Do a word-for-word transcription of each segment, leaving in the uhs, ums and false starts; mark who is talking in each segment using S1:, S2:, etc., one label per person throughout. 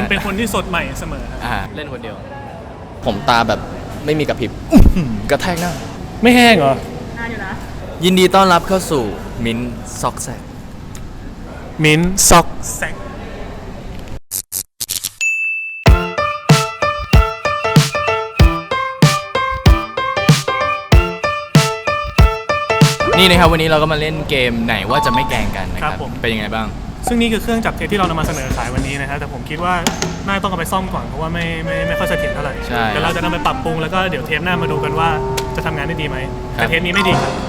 S1: เป็นคนที่สดใหม่เสมอ
S2: อ่าเล่นคนเดียวผมตาแบบไม่มีกระพริบกระแทกหน้า
S1: ไม่แห้งเหรอ
S3: น่าอยู่นะ
S2: ยินดีต้อนรับเข้าสู่มิ้นซอกแซก
S1: มิ้นซอกแซก
S2: นี่นะครับวันนี้เราก็มาเล่นเกมไหนว่าจะไม่แกล้งกันนะครับเป็นยังไงบ้าง
S1: ซึ่งนี่คือเครื่องจับเท็จที่เรานำมาเสนอขายวันนี้นะฮะแต่ผมคิดว่าน่าต้องเอาไปซ่อมก่อนเพราะว่าไม่ไม่ไม่ค่อยเสถียรเท่าไหร่เดี๋ยวเราจะนำไปปรับปรุงแล้วก็เดี๋ยวเทปหน้ามาดูกันว่าจะทำงานได้ดีไหมแต่เทปนี้ไม่ดีครับ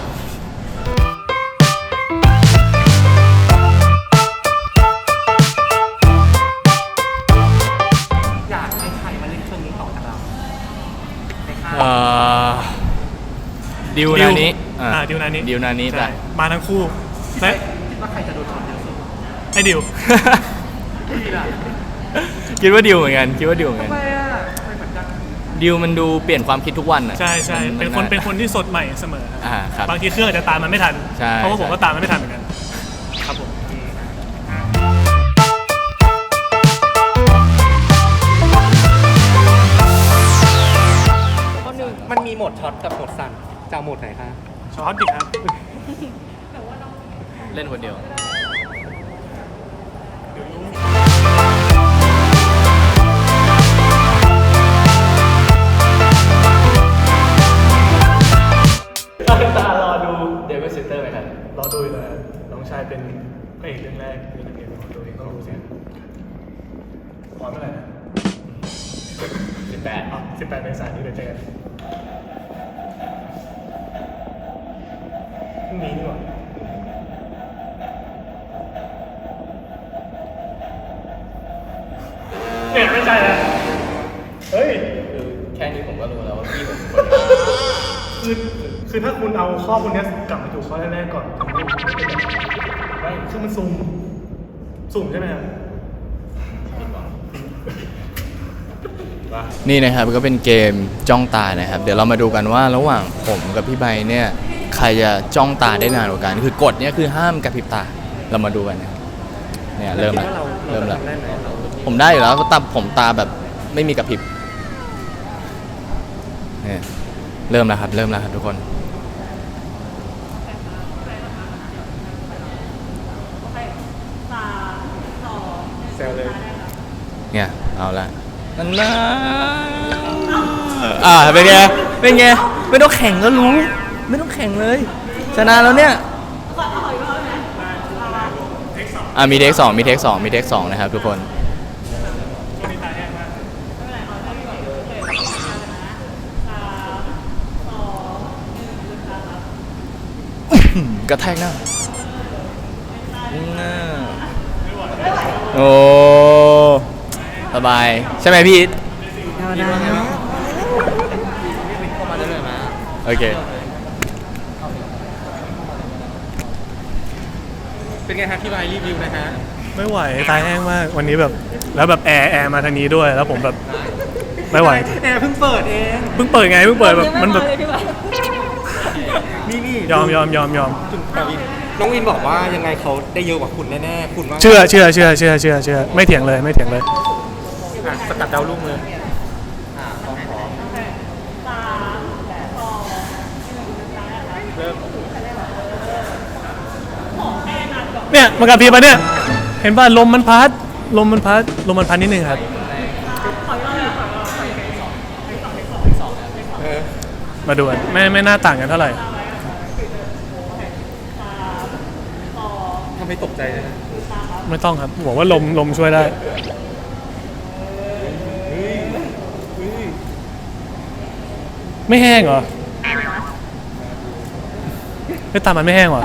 S3: อยากให้ใครมาเล่นเครื่องนี้ต่อจากเรา
S2: เอ่อดิวนานี้
S1: อ่าดิวนานี้
S2: ดิวนานี้แต่
S1: มาทั้งคู่และ
S3: คิดว่าใครจะโดนช็อตเยอะสุด
S1: ให้ดิว
S2: คิดว่าดิวเหมือนกันคิดว่าดิวเหมือนกัน
S3: ทำไมอ่ะไม่เหมือนกัน
S2: ดิวมันดูเปลี่ยนความคิดทุกวันอ่ะ
S1: ใช่ใช่เป็นคนเป็นคนที่สดใหม่เสมอ
S2: อ่าครับ
S1: บางทีเครื่องอาจจะตามมันไม่ทันเพราะว่าผมก็ตามมันไม่ทันเหมือนกันครับผม
S3: ข้อหนึ่งมันมีโหมดช็อตกับโหมดสั่นจะเอาโหมดไหนคะ
S1: ช็อตดิครับ
S2: เล่นคนเดียว
S1: ตารอดู
S2: เดวิดซิสเตอร์ไหมครับ
S1: รอดูเลยน้องชายเป็นพระเอกเรื่องแรกในเกมตัวเองต้องรู้เสียงพร้อมเมื่อไหร่นะ
S2: สิบแปด
S1: สิบแปดเมษายนนี้เดี๋ยวเจอกันพรุ่งนี้ดีกว่าเนี่ยไม่ใช่แล้วเฮ้ย
S2: คือแค่นี้ผมก็รู้แล้วว่าพี่ผม
S1: คือคือถ้าคุณเอาข้อพวกนี้กลับมาถูกข้อแรกๆก่อนไม่คือมันสุ่มสุ่มใช่ไหมครับ
S2: นี่นะครับก็เป็นเกมจ้องตานะครับเดี๋ยวเรามาดูกันว่าระหว่างผมกับพี่ใบเนี่ยใครจะจ้องตาได้นานกว่ากันคือกฎเนี่ยคือห้ามกระพริบตาเรามาดูกันนะเนี่ยเริ่มแล้วเริ่มแล้วผมได้อยู่แล้วก็ตาผมตาแบบไม่มีกระพริบเนี่ยเริ่มแล้วครับเริ่มแล้วครับทุกคน
S1: แซวเลย
S2: เนี่ยเอาละนั่นนะอ่าเป็นไงเป็นไงไม่ต้องแข่งก็รู้ไม่ต้องแข่งเลยชนะแล้วเนี่ยอ่ามีเทคสองมีเทคสองมีเทคสองนะครับทุกคนกระแทกหน้าโอ้สบายใช่ไหมพี่โอเค
S3: เป็นไงครับพี่ใบรีวิวนะฮะ
S1: ไม่ไหวตายแห้งมากวันนี้แบบแล้วแบบแอร์แอร์มาทางนี้ด้วยแล้วผมแบบไม่ไหว
S3: แอร์เพิ่งเปิดเอง
S1: เพิ่งเปิดไงเพิ่งเปิดแบบมันแบบ
S3: นี่นี่
S1: ยอมยอมยอมยอม
S3: น้องวินบอกว่ายังไงเขาได้เยอะกว่าคุณแน่ๆคุณว่า
S1: เชื่อเชื่อเชื่อเชื่อเชื่อเชื่อไม่เถียงเลยไม่เถียงเลย
S3: สกัดดาวรุ่งเลย
S1: เนี่ยมันกระพริบปะเนี่ยเห็นป่ะลมมันพัดลมมันพัดลมมันพัดนิดนึงครับมาดูกันไม่ไม่น่าต่างกันเท่าไหร่
S3: ทำให้ตกใจเลย
S1: ไม่ต้องครับบอกว่าลมลมช่วยได้ไม่แห้งเหรอไม่ตามมันไม่แห้งเหรอ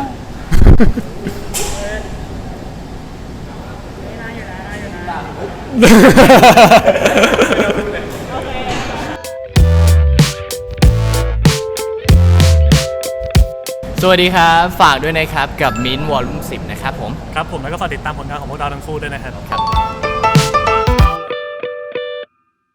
S2: สวัสดีครับฝากด้วยนะครับกับมิ้นท์วอลลุ่มสิบนะครับผม
S1: ครับผมแล้วก็ฝากติดตามผลงานของพวกเราทั้งคู่ด้วยนะครับ
S2: ครับ